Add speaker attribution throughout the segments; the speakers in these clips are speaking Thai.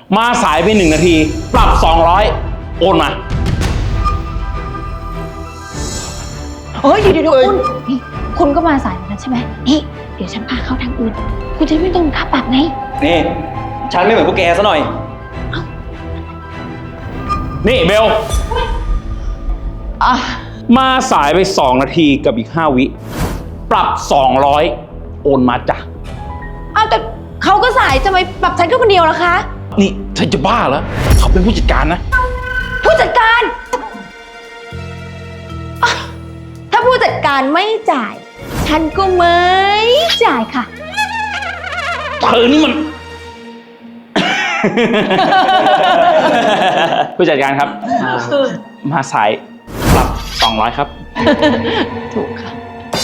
Speaker 1: มาสายไป1 นาทีปรับ200โอนมา
Speaker 2: เฮ้ยเดี๋ยวคุณนี่คุณก็มาสายเหมือนกันใช่ไหมนี่เดี๋ยวฉันพาเข้าทางอื่นคุณจะไม่ต้องค่าปรับไง
Speaker 3: นี่ฉันไม่เหมือนพวกแกซะหน่อย
Speaker 1: นี่เบลมาสายไป2 นาทีกับอีก5 วิปรับ200โอนมาจ้ะ
Speaker 2: อ้าวแต่เขาก็สายจะไปปรับฉันแค่คนเดียวเหรอคะ
Speaker 1: นี่เธอจะบ้าเหรอเขาเป็นผู้จัดการนะ
Speaker 2: ผู้จัดการถ้าผู้จัดการไม่จ่ายฉันก็ไม่จ่ายค่ะ
Speaker 1: เธอนี่มัน ผู้จัดการครับมาสายปรับ200ครับ
Speaker 2: ถูกค่ะ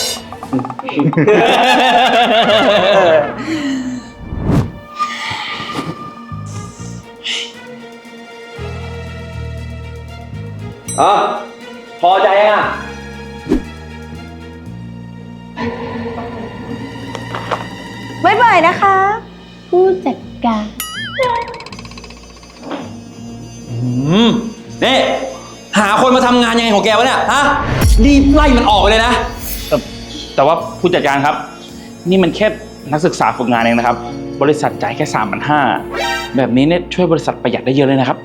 Speaker 3: พอใจยังอ่ะ
Speaker 2: บ๊ายบายนะคะผู้จัดการ
Speaker 3: นี่หาคนมาทำงานยังไงของแกวะเนี่ยฮะรีบไล่มันออกไปเลยนะ
Speaker 1: แต่ว่าผู้จัดการครับนี่มันแค่นักศึกษาฝึกงานเองนะครับบริษัทจ่ายแค่3,500แบบนี้เนี่ยช่วยบริษัทประหยัดได้เยอะเลยนะครับ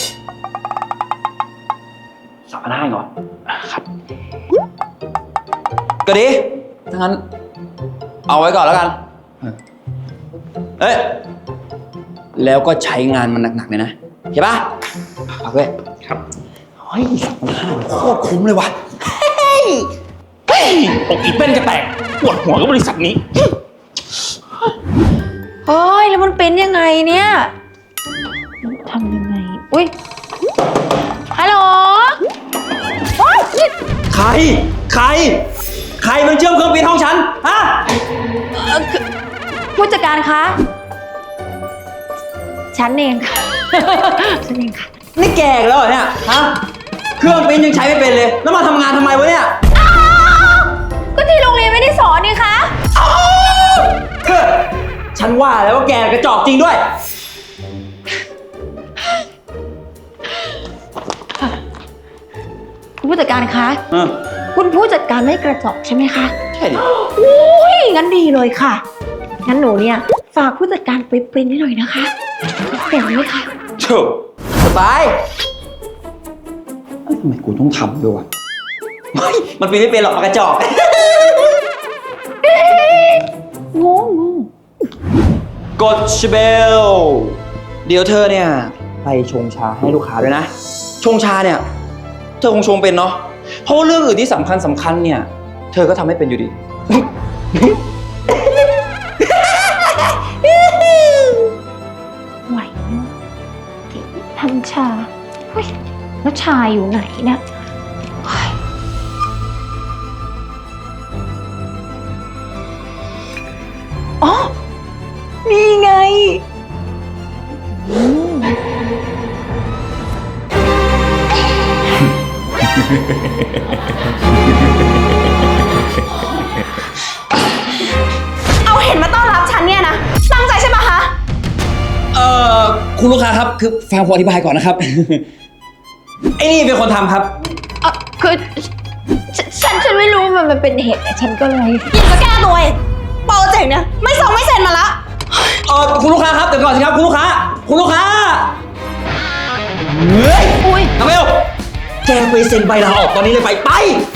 Speaker 3: 3,500เหรอ
Speaker 1: ครับ
Speaker 3: ก็ดีถ้างั้นเอาไว้ก่อนแล้วกันแล้วก็ใช้งานมันหนักๆเลยนะเห็นปะเอาไว้
Speaker 1: ครับ
Speaker 3: เฮ้ย3,500โคตรคุ้มเลยว่ะ
Speaker 1: อกอีเป็นกระแตกปวดหัวกับบริษัทนี้
Speaker 2: เฮ้ยแล้วมันเป็นยังไงเนี่ยทำยังไงอุ้ยฮัลโหล
Speaker 3: ใครมันเชื่อมเครื่องบินห้องฉันฮะ
Speaker 2: ผู้จัดการคะฉันเองค่ะฉันเองค่ะ
Speaker 3: นี่แกอีกแล้วเหรอเนี่ยฮะเครื่องบินยังใช้ไม่เป็นเลยแล้วมาทำงานทำไมวะเนี่ย
Speaker 2: ก็ที่โรงเรียนไม่ได้สอนนี่คะ
Speaker 3: ฉันว่าแล้วว่าแกกระจอกจริงด้วย
Speaker 2: คุณผู้จัดการคะคุณผู้จัดการไม่กระจอกใช่ไหมคะ
Speaker 3: ใช่ดิ
Speaker 2: อุ้ยงั้นดีเลยค่ะงั้นหนูเนี่ยฝากผู้จัดการไปปริ้นให้หน่อยนะคะเห็นไหมคะ
Speaker 3: ถูกสบายทำไมกูต้องทำด้วยวะมันไม่เป็นหรอกกระจอก
Speaker 2: งง
Speaker 3: กดชเบลเดี๋ยวเธอเนี่ยไปชงชาให้ลูกค้าด้วยนะชงชาเนี่ยเธอคงชงเป็นเนาะเพราะว่าเรื่องอื่นที่สำคัญเนี่ยเธอก็ทำให้เป็นอยู่ดี
Speaker 2: ไหวเนาะทำชาเฮ้ยแล้วชาอยู่ไหนเนี่ยอ๋อนี่ไงเอาเห็นมาต้อนรับฉันเนี่ยนะตั้งใจใช่ปะคะ
Speaker 3: คุณลูกค้าครับคือฟังผมอธิบายก่อนนะครับไอ้นี่เป็นคนทำครับ
Speaker 2: คือฉันไม่รู้มันเป็นเหตุแต่ฉันก็เลยอยากจะแก้ตัวโปรเจกต์เนี่ยไม่เซ็นมาละ
Speaker 3: คุณลูกค้าครับเดี๋ยวก่อนสิครับคุณลูกค้าเฮ้ย
Speaker 2: อุ้ย
Speaker 3: น้องเบลแกไปเซ็นใบลาออกตอนนี้เลยไป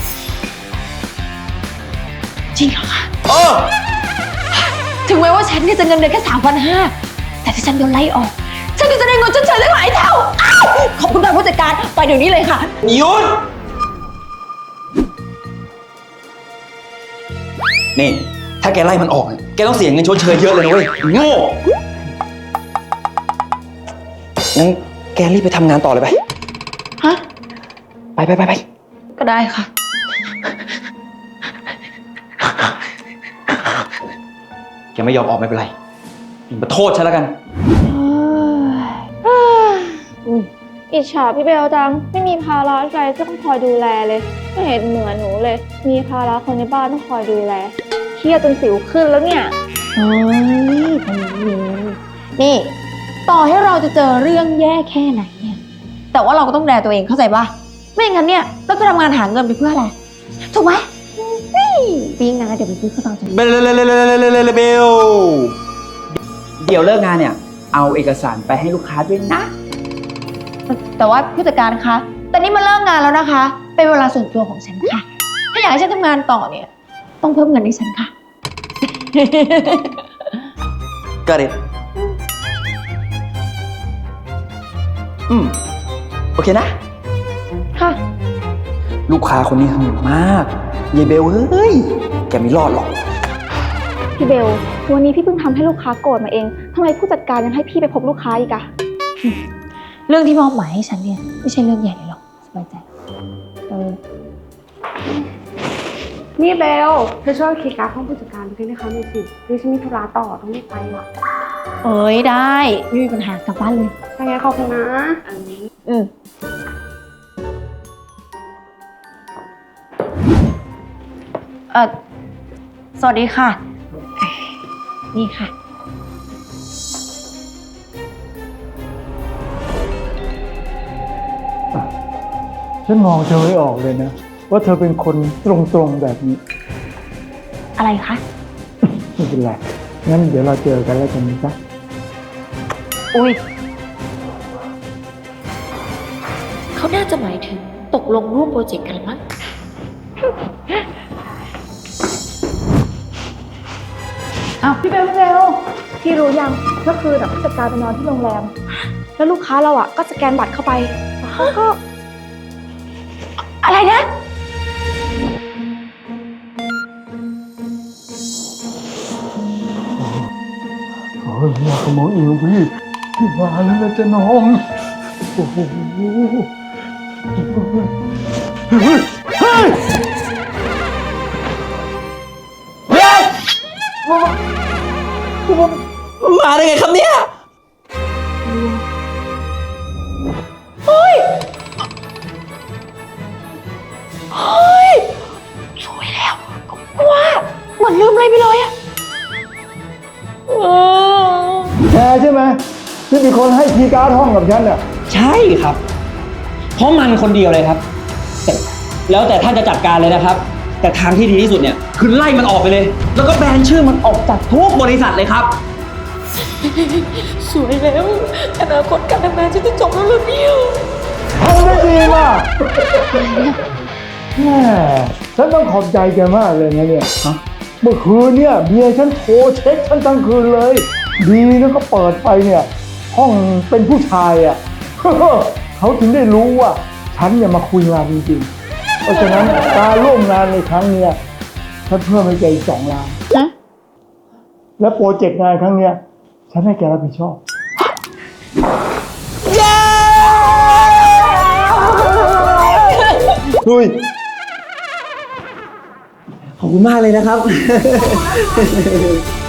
Speaker 2: จริงเหรอคะ
Speaker 3: ถึ
Speaker 2: งแม้ว่าฉันเนี่ยจะเงินเดือนแค่3,500แต่ถ้าฉันโดนไล่ออกฉันก็จะได้เงินชดเชยได้หลายเท่าขอบคุณค่ะผู้จัดการไปเดี๋ยวนี้เลยค่ะ
Speaker 3: หยุดนี่ถ้าแกไล่มันออกแกต้องเสียเงินชดเชยเยอะเลยนะเว้ยโง่งั้นแกรีบไปทำงานต่อเลยไป
Speaker 2: ฮะ
Speaker 3: ไป
Speaker 2: ก็ได้ค่ะ
Speaker 3: แกไม่ยอมออกไม่เป็นไรมาโทษฉันแล้วกัน
Speaker 4: อิจฉาพี่เบลจังไม่มีภาระใจต้องคอยดูแลเลยไม่เห็นเหมือนหนูเลยมีภาระคนในบ้านต้องคอยดูแลเครียดจนสิวขึ้นแล้วเนี่ย
Speaker 2: โอ้ยนี่ต่อให้เราจะเจอเรื่องแย่แค่ไหนเนี่ย แต่ว่าเราก็ต้องดูแลตัวเองเข้าใจปะไม่อย่างนั้นเนี่ยเราจะทำงานหาเงินไปเพื่ออะไร ถูกไหมปีงนะเดี๋ยวไปซื้อข้าวตอก
Speaker 3: เบลเดี๋ยวเลิกงานเนี่ย เอาเอกสารไปให้ลูกค้าด้วยนะ
Speaker 2: แต่ว่าผู้จัดการคะ แต่นี่มันเลิกงานแล้วนะคะ เป็นเวลาส่วนตัวของฉันค่ะ ถ้าอยากให้ฉันทำงานต่อเนี่ย ต้องเพิ่มเงินให้ฉันค่ะ
Speaker 3: ก็เด็ดโอเคนะ
Speaker 4: ค่ะ
Speaker 3: ลูกค้าคนนี้สนุกมากยายเบลเฮ้ย แกไม่รอดหรอก
Speaker 4: พี่เบล วันนี้พี่เพิ่งทำให้ลูกค้าโกรธมาเองทำไมผู้จัดการยังให้พี่ไปพบลูกค้าอีกอะ
Speaker 2: เรื่องที่มอบหมายให้ฉันเนี่ยไม่ใช่เรื่องใหญ่เลยหรอกสบายใจ
Speaker 5: นี่เบลเธอช่วยคีย์การ์ดห้องผู้จัดการไปให้เขาหน่อยสิดิฉันมีธุระต่อต้องรีบไปอ่ะ
Speaker 2: เอ้ยได้ไม่มีปัญหากลับบ้านเลย
Speaker 5: ยังไงขอบคุณนะ
Speaker 2: อืมสวัสดีค่ะ นี่ค่ะ
Speaker 6: ฉันมองเธอไม่ออกเลยนะ ว่าเธอเป็นคนตรงๆแบบนี้
Speaker 2: อะไรคะ
Speaker 6: ไม่เป็นไรงั้นเดี๋ยวเราเจอกันแล้วกันนะจ๊ะ
Speaker 2: อุ้ยเขาน่าจะหมายถึงตกลงร่วมโปรเจกต์กันละมั้ง
Speaker 4: พี่เบลพี่รู้ยังเมื่อคืนผู้จัดการไปนอนที่โรงแรม แล้วลูกค้าเราก็สแกนบัตรเข้าไปแล้วเขาก็
Speaker 2: อะไรนะ
Speaker 6: โอ้ยอยากขโมยอีกพี่มาแล้วนะจ๊ะน้องโอ้โหเฮ้ย
Speaker 3: มาได้ไงครับเนี่ย
Speaker 2: ช่วยแล้วก็ว่าเหมือนลืมอะไรไปเลยอะ
Speaker 6: แกใช่ไหมที่เป็นคนให้คีย์การ์ดห้องกับฉันน่ะ
Speaker 3: ใช่ครับ เพราะมันคนเดียวเลยครับ แต่แล้วแต่ท่านจะจัดการเลยนะครับ แต่ทางที่ดีที่สุดเนี่ยคือไล่มันออกไปเลย แล้วก็แบนชื่อมันออกจากทุกบริษัทเลยครับ
Speaker 2: สวยแล้วอนาคตการทำงานฉันจะจบแล้วเหรอเนี่ย
Speaker 6: ทำได้ดีมากแม่ฉันต้องขอบใจแกมากเลยนะเนี่ยเมื่อคืนเนี่ยเมียฉันโทรเช็คฉันทั้งคืนเลย ดีนะก็เปิดไปเนี่ย ห้องเป็นผู้ชายอ่ะ เขาถึงได้รู้ว่าฉันเนี่ยมาคุยงานจริงๆ เพราะฉะนั้นการร่วมงานในครั้งเนี้ยฉันเพิ่มให้แกอีก2 ล้าน และโปรเจกต์งานครั้งเนี้ยฉันให้แกรับผิดชอบ
Speaker 3: ดุยขอบคุณมากเลยนะครับ